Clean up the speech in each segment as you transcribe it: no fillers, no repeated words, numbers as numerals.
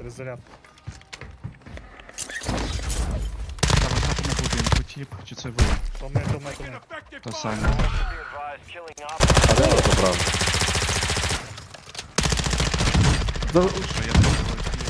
Перезаряд. Там грати на будинку, тіп, чи це ви? То ми. То самі. А де вас забрав? Що я зробив?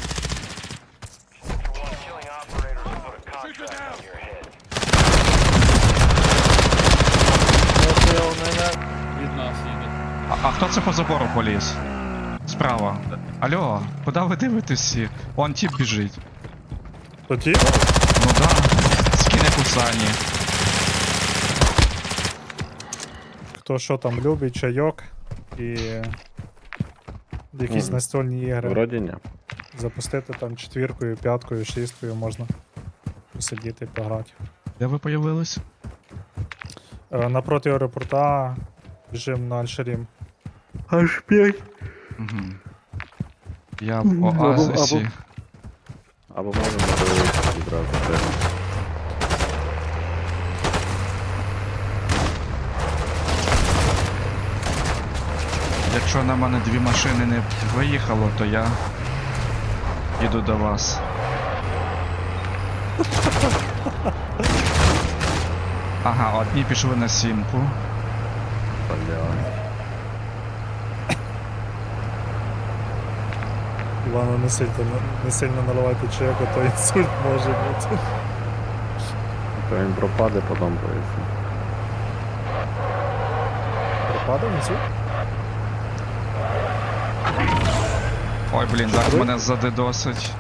Від нас їде. А хто це по забору поліз? Справа. Алло, куди ви дивитесь всі? Вон тіп біжить. То ті? Ну да, скине кусані. Хто що там любить, чайок і якісь настольні ігри. Вроді ні. Запустити там 4, 5, 6 можна посидіти, пограти. Де ви появились? Напроти аеропорта біжим на Аль-Шарім. Аж 5. Угу. Я в Оазисі. Або можемо дивитися відразу. Якщо на мене 2 машини не виїхало, то я їду до вас. Ага, одні пішли на 7-ку. Івану, не сильно наливайте чайок, а то інсульт може бути. То він пропаде, потім поясню. Пропадав інсульт? Ой, блін, зараз мене задедосить.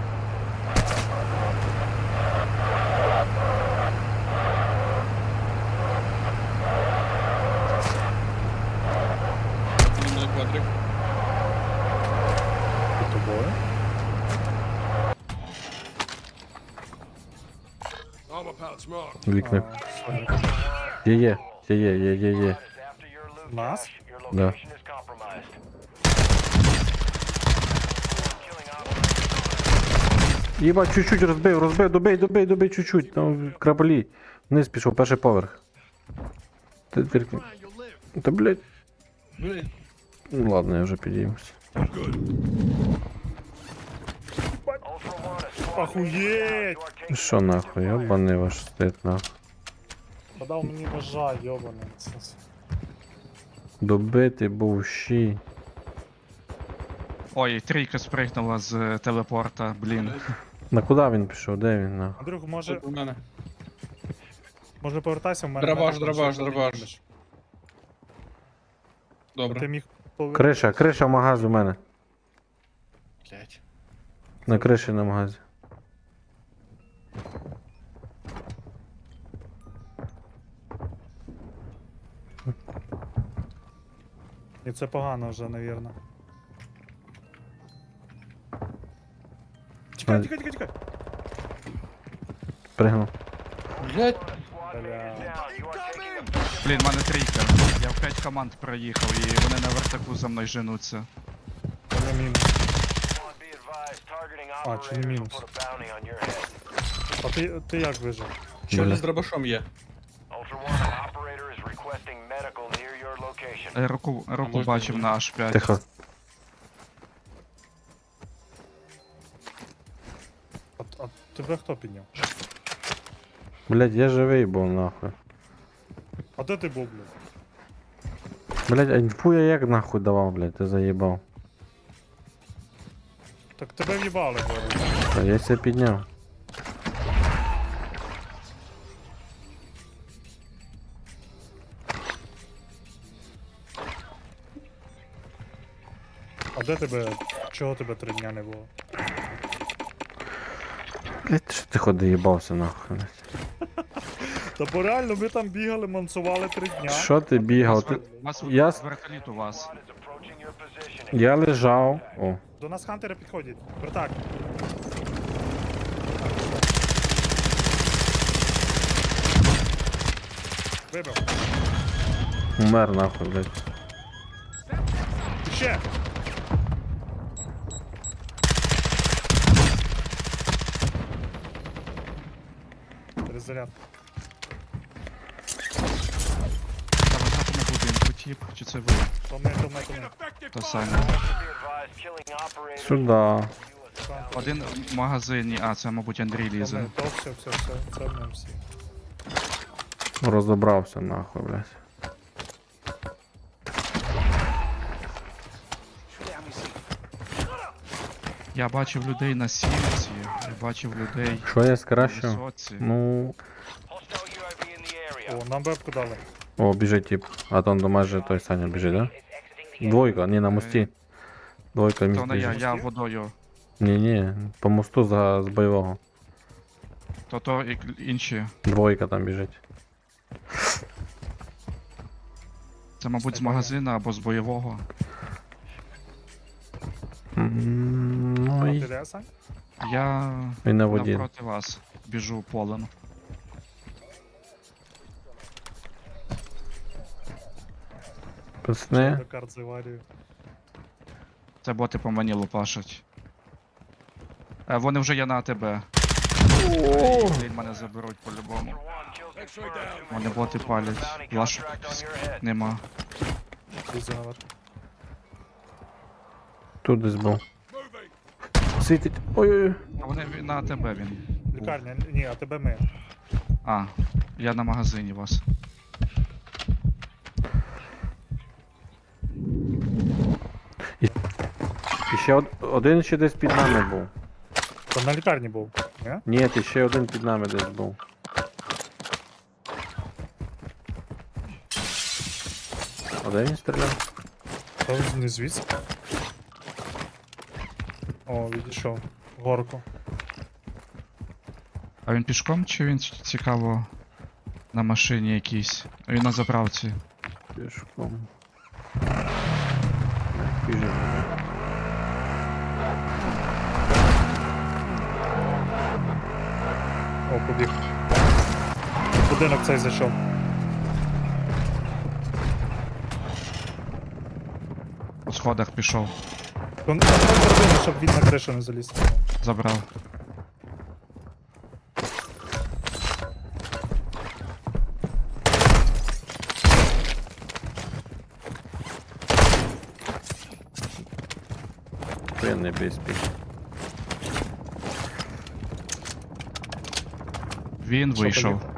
Зі мною квадрик. Під тобою? Вікна. Є. Нас? Да. Єба, чуть-чуть розбив, добий чуть-чуть, там краплі. Вниз пішов, перший поверх. Та блять. Блін. Ну ладно, я вже підіймусь. Охуєть! Що нахуй, йобаний ваш стит нахуй. Подав мені ножа, йобаний. Добитий був щі. Ой, трійка спригнула з телепорта, блін. На куди він пішов? Де він нахуй? Андрюх, може У мене. повертайся в мене. Драбаш, мене драбаш, там драбаш. щось Ти Добре. міг Криша магаз у мене. Блять. На криші на магазі. І це погано вже, навірно. Чекай. Пригнув. Блять. Бля. Блін, в мене трійка. Я в 5 команд проїхав і вони на вертаку за мною женуться. Не мінус. А, чи не мінус? А ти як вижив? Чорний Бля. з дробашом є. Руку можна бачив буде? на H5. Тихо. А тебе хто підняв? Блять, я живий був нахуй. А де ти був, блядь? Блять, а інфу я як нахуй давав, блять, ти заїбав. Так тебе в'їбали, блядь. Та я ся підняв. А де тебе? Чого тебе 3 дня не було? Блять, що ти ходи їбався нахуй. Та бо реально ми там бігали, мансували 3 дня. Що ти бігав? Ти... Вас Я- вертоліт у вас. Я лежав. О. До нас хантери підходять. Братак. Вибив. Умер нахуй, блять. Ще! Перезаряд. Там грати на будинку, тіп, чи це ви? То ми. То самі. Сюда. Один в магазині, а це, мабуть, Андрій лізе. То все, це ми всі. Розібрався нахуй, блядь. Я бачив людей на сімці, я бачив людей Що я на скращу? висоці. Ну. О, нам бебку дали. О, біжить тип. А там до майже той Саня біжить, да? Двойка, ні, на мості. Двойка міст То не я, біжить. я водою. Ні, по мосту з бойового. То і інші. Двойка там біжить. Це, мабуть, з магазина або з бойового. Ну Ти і де, Сань? Я і на воді. навпроти вас біжу полем. Пацани, До карт з аварією. Це боти по мені лупашать. Вони вже є на АТБ. Блін, мене заберуть по-любому. Вони боти палять. Лашок нема. Лізу наверх. тут десь був. Світить. Ой-ой-ой. А вони на АТБ він. Лікарня, ні, а тебе ми. А, я на магазині вас. І ще один ще десь під нами був. То на лікарні був, ні? Ні, і ще один під нами десь був. А де він стріляв? То не звідси. О, відійшов. Горку. А він пішком чи він цікаво на машині якійсь? Він на заправці. Пішком. Біжить. О, побіг. Будинок цей зайшов. По сходах пішов. Контроль зробили, щоб він на кришу не заліз. Забрав. Ти не безпік. Він Що, вийшов. поїхав?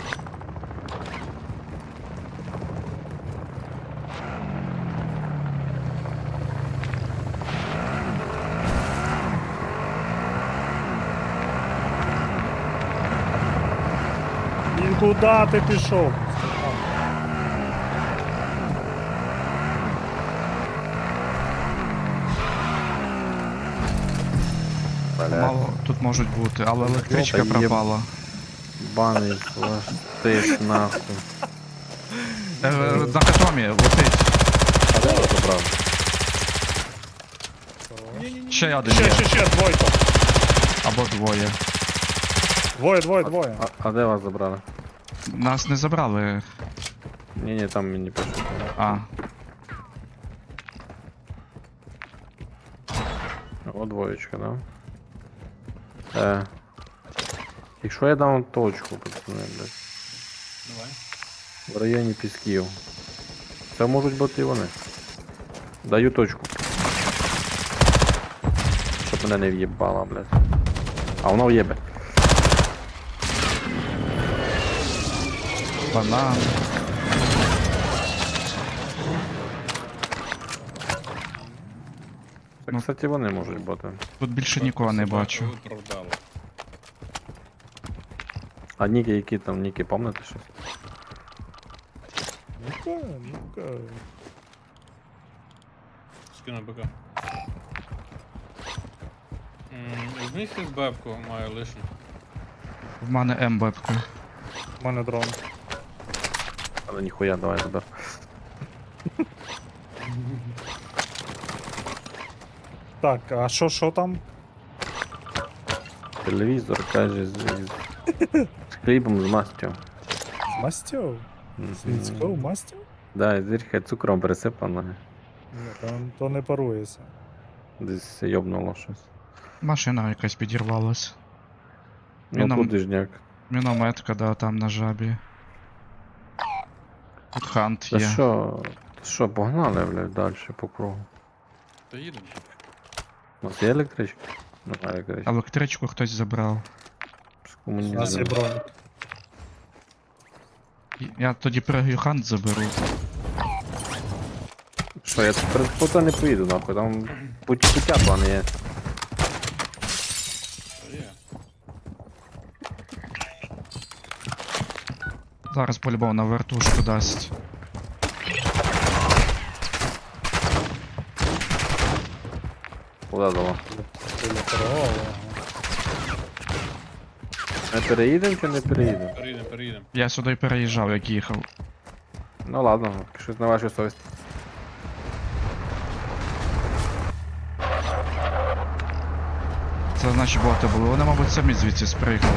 Він куди ти пішов? Мало тут можуть бути, але електричка Та є- пропала. Баний пластик нахуй. На катомі летить. А де я забрав? Ще один є. Ще, двойка. Або двоє. Двоє. А де вас забрали? Нас не забрали. Ні, там мені пишуть. А, О, двоєчка, да? Якщо я дам точку, пацани, блядь, Давай. в районі Пісків. Це можуть бути і вони. Даю точку. Щоб мене не в'єбало, блядь. А воно в'єбе. банан. Це, Ну. кстати, вони можуть бути. Тут більше нікого не бачу. Оправдало. А ніки, які там ніки, пам'ятаєте щось? Ну-ка. Скину БК. Візьміть з бебку, маю лишню. В мене МБПка. У мене дрон. Але ніхуя, давай забер. Так, а що там? Телевізор, каже, з хлібом з мастю. З мастю? З людського мастю? Да, і зірка цукром присипана. Ні, то не парується. Десь йобнуло щось. Машина якась підірвалась. Ну Міном- тут дижняк. Мінометка, да, там на жабі. Тут хант Та є. що, погнали, блядь, далі по кругу. То їдемо. У нас є електричка? Нормально, короче. Електричку хтось забрав. У нас є бронік. Я тоді пригаю хант заберу. Що, я тепер фото не поїду, нахуй, там пуття плани є. Та є. Зараз по-любому на вертушку дасть. Куда дало? Біля переголу. Ми переїдемо чи не переїдемо? Переїдемо. Я сюди переїжджав, як їхав. Ну ладно, щось на вашу совість. Це наші боти були. Вони, мабуть, самі звідси спригнули.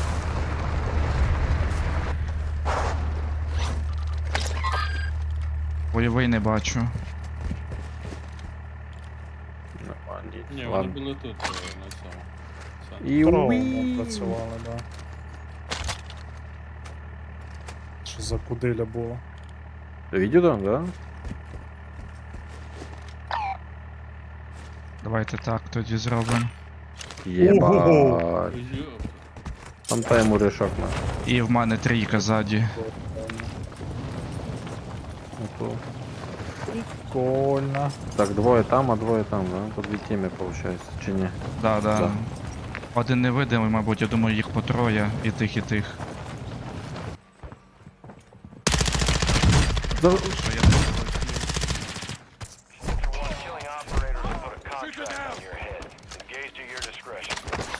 Бойовий не бачу. Нормально. Ні, вони Ладно. були тут, на цьому. Все. І Здорово уі. працювали, да. Що за кудиля було? Відео там, да? Давайте так тоді зробимо. Єбать. Ой, йоп. Там та йому решок на. І в мене трійка ззаді. Ото. Прикольно. Так, двоє там, а двоє там, да? По дві тіми, виходить, чи ні? Да. Да. Один невидимий, мабуть, я думаю, їх по троє. І тих, і тих. Що я тут? Killing operators will put a contract on your head. Engage to your discretion.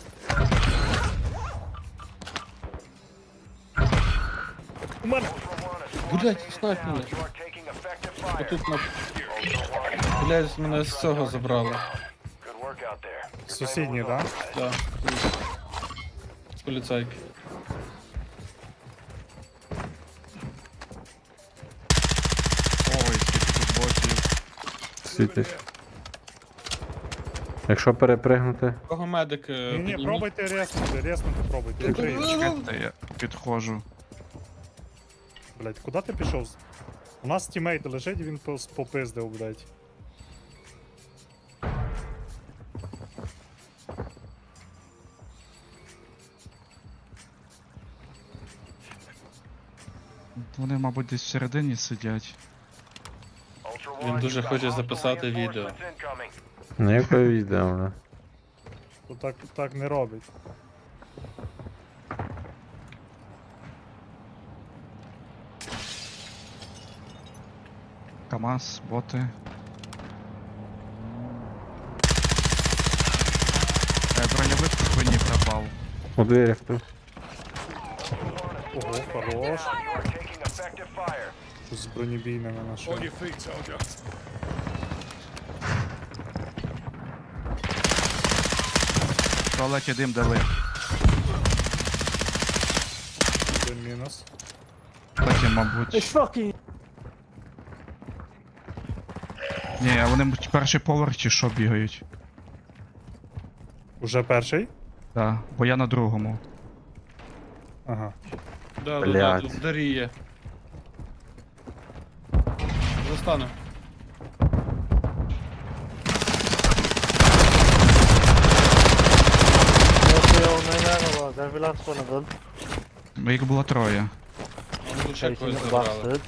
Блять, снайп мене. You are taking effective fire. Отут на... Блять, мене з цього забрали. Good work out there. Сусідні, да? Так. З поліцайки. Ой, скільки тут ботів. Світить. Якщо перепригнути, Кого медик Ні, підніміть? пробуйте резнути пробуйте. Я крию. Чекайте, я підходжу. Блять, куди ти пішов? У нас тімейт лежить, він попиздив, блять. Вони, мабуть, десь всередині сидять. Ultra Він One, дуже you've got хоче hostile записати відео. reinforcements incoming. ніякого відео, да. То так не робить. КамАЗ, боти. Броньовик в спині пропав. У дверях тут. Ого, хорош. You are taking effective fire. Тут з бронебійними нашими. В туалеті дим дали. Один мінус. Потім, мабуть. Ні, а вони мабуть, перший поверх чи що бігають. Уже перший? Так, бо я на другому. Ага. Да, Блядь. тут Дарі є. Застану. Їх було троє. Вони тут ще когось забрали.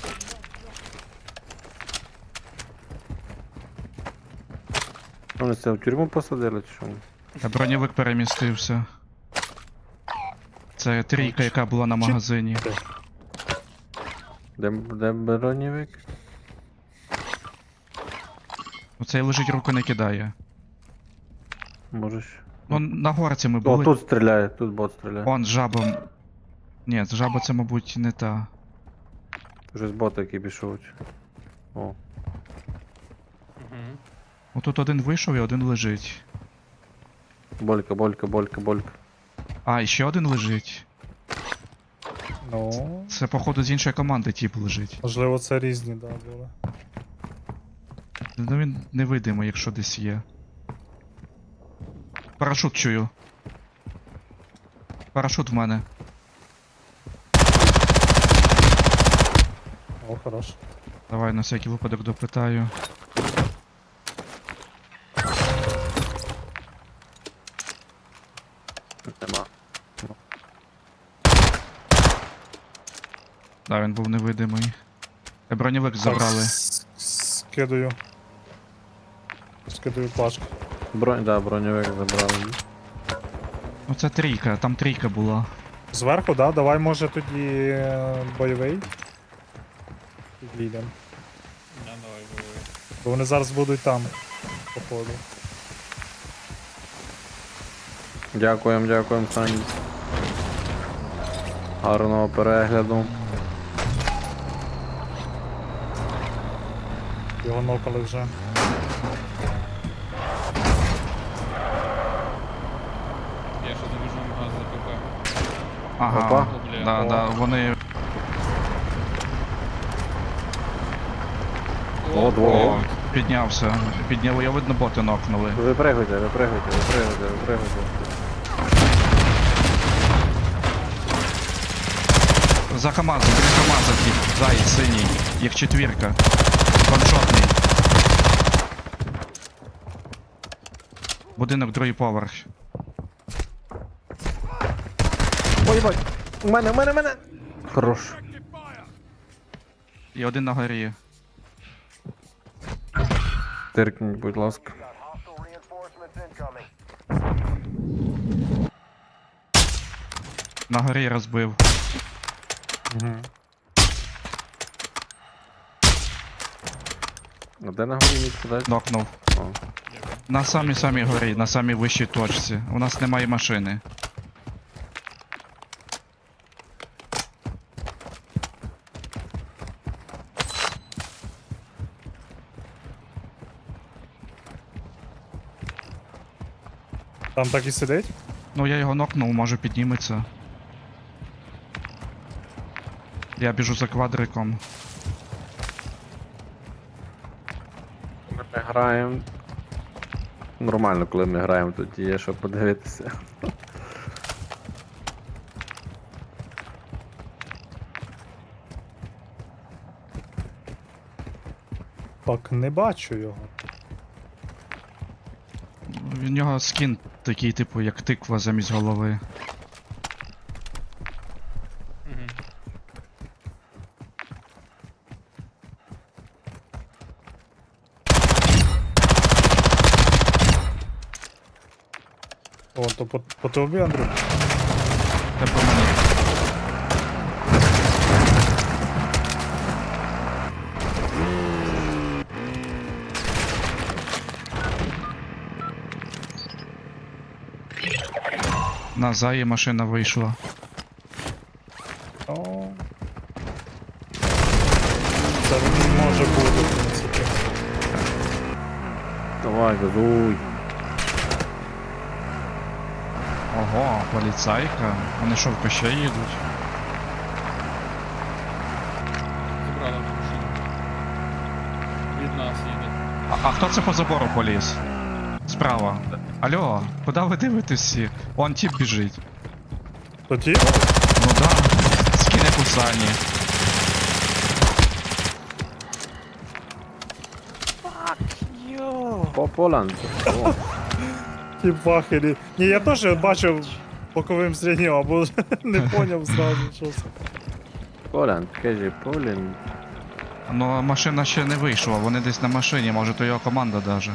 Вони це в тюрму посадили чи що? Броньовик перемістився. Це трійка, яка була на магазині. Де бронєвик? Оцей лежить, руку не кидає. Можеш. Ну, на горці ми О, були. тут стріляє, тут бот стріляє. Он з жабом. Ні, з жаба це, мабуть, не та. Вже з бота який пішов. О. Угу. Отут один вийшов і один лежить. Болька. А, і ще один лежить. Ну, Це, походу, з іншої команди тип лежить. можливо, це різні, да, були. Ну він невидимий, якщо десь є. Парашут чую. Парашут в мене. О, хорош. Давай на всякий випадок допитаю. Да, він був невидимий. Броньовик забрали. Скидаю. Скидаю плашку. Да, броньовик забрали. Ну це трійка, там трійка була. Зверху, да? Давай, може, тоді бойовий. Підійдем. Не, давай, бойовий. Бо вони зараз будуть там, походу. Дякуємо, Сані. Гарного перегляду. Його нокали вже. Я ще забіжу в магаз за ПП. Ага, Опа. да, О. да, вони. О, двоє. О, піднявся. Підняли, я видно, боти нокнули. Випригуйте. За КамАЗом, біля КамАЗа тип. Заєць синій. Їх четвірка. Ваншотний. Будинок, другий поверх. Ой, бать! У мене! Хорош. І один на горі. Тиркніть, будь ласка. Got hostile reinforcements incoming. На горі розбив. Угу. А де на горі міг кидати? Нокнув. О. На самій горі, на самій вищій точці. У нас немає машини. Там так і сидить? Ну я його нокнув, може підніметься. Я біжу за квадриком. Ми граємо. Нормально, коли ми граємо, тут є що подивитися. Так, не бачу його. В нього скін такий, типу, як тиква замість голови. Угу. О, то по тобі, Андрю. Це по мені. На заї машина вийшла. О. Це він може бути, в принципі. Давай, газуй. Ого, поліцайка. Вони що, в Кощей їдуть? Забрали вже машину. Від нас їде. А хто це по забору поліз? Справа. Алло, куди ви дивитесь всі? Он тип біжить. То ті? Ну да, скине кусані. По Поланд. О, Ті бахері. Ні, я теж бачив боковим зрінням, або не поняв зразу, що це. Поланд, кажи, Поланд. Ну, машина ще не вийшла, вони десь на машині, може то його команда даже.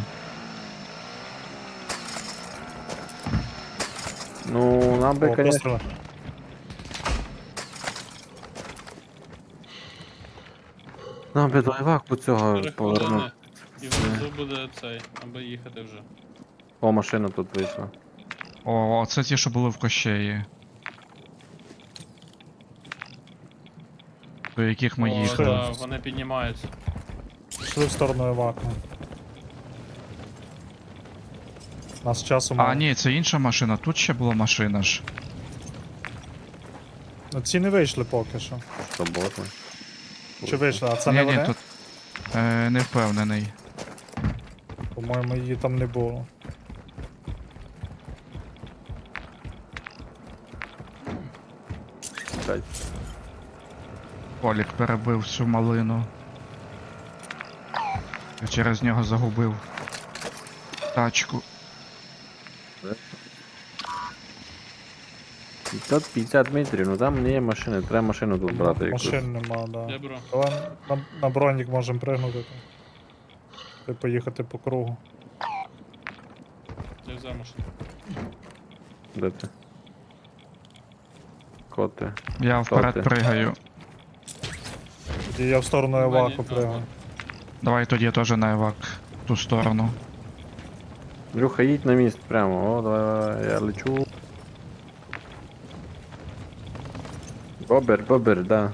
Ну, нам би, О, конечно, постріли. нам би до Іваку цього 4 повернути. хвилини. І внизу буде цей, аби їхати вже. О, машина тут вийшла. О, це ті, що були в Кощеї. До яких ми О, їхали. да, вони піднімаються. Пішли в сторону Іваку. Нас часу А, мало. ні, це інша машина, тут ще була машина ж. Ну, ці не вийшли поки що. Робота. Чи вийшли, а це не вони? тут не впевнений. По-моєму, її там не було. Блядь. Полік перебив всю малину. Я через нього загубив тачку. 50 метрів, ну там не є машини, треба машину тут брати якусь. Машин нема, да. Я беру. Давай на бронік можемо пригнути там. І поїхати по кругу. Я взяв машину. Де ти? Коти. Я вперед ти? пригаю. І я в сторону Мені- Еваку а, пригаю. Давай тоді теж на евак. В ту сторону. Люха, їдь на міст прямо. О, давай, я лечу. Бобер, да.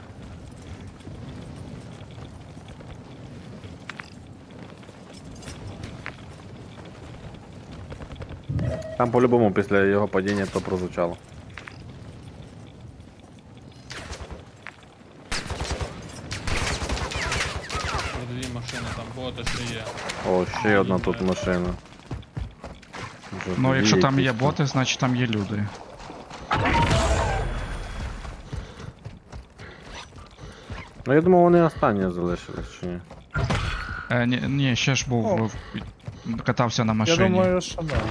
Там по-любому після його падіння то прозвучало. Дві машини, там боти ще є. О, ще одна тут машина. Вже Ну, дві якщо там є якісь боти, значить там є люди. Ну я думав, вони останні залишились чи ні. Ні, ще ж був. О. Катався на Я машині. думаю, що да.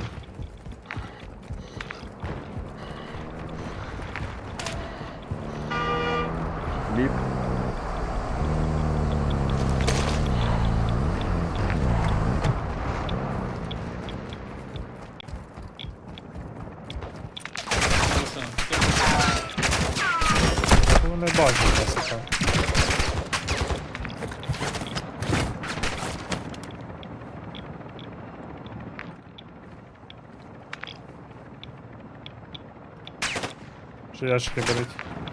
Біп. Машина. Вони бачать нас і так. Що ящики беруть?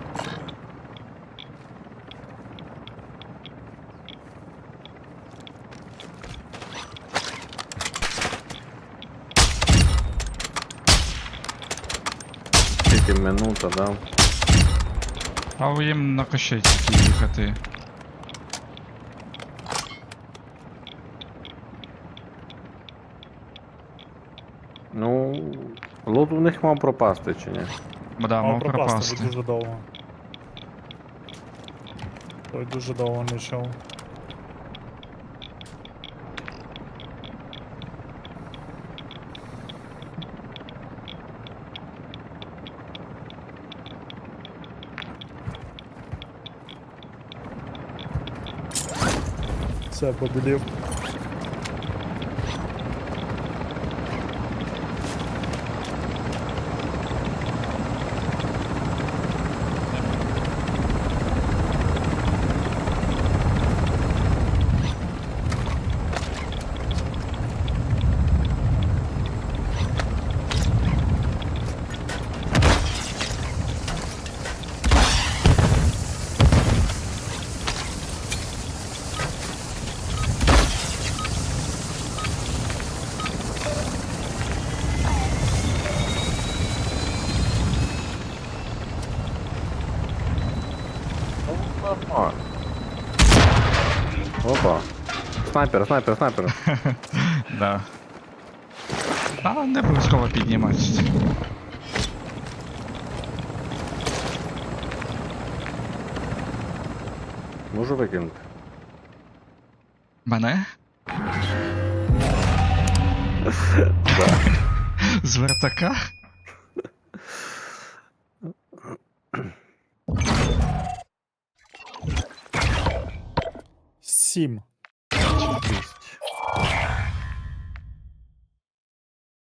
Тільки минута, да. А їм на кощей тільки їхати. Ну, лот у них мав пропасти чи ні? Да, мав пропасти, пропасти. бо дуже довго. Той дуже довго не йшов. Все, побілів. О. Опа. Снайпер. Да. А не обов'язково підніматися. Можу викинути. Мене? З вертака? Сім.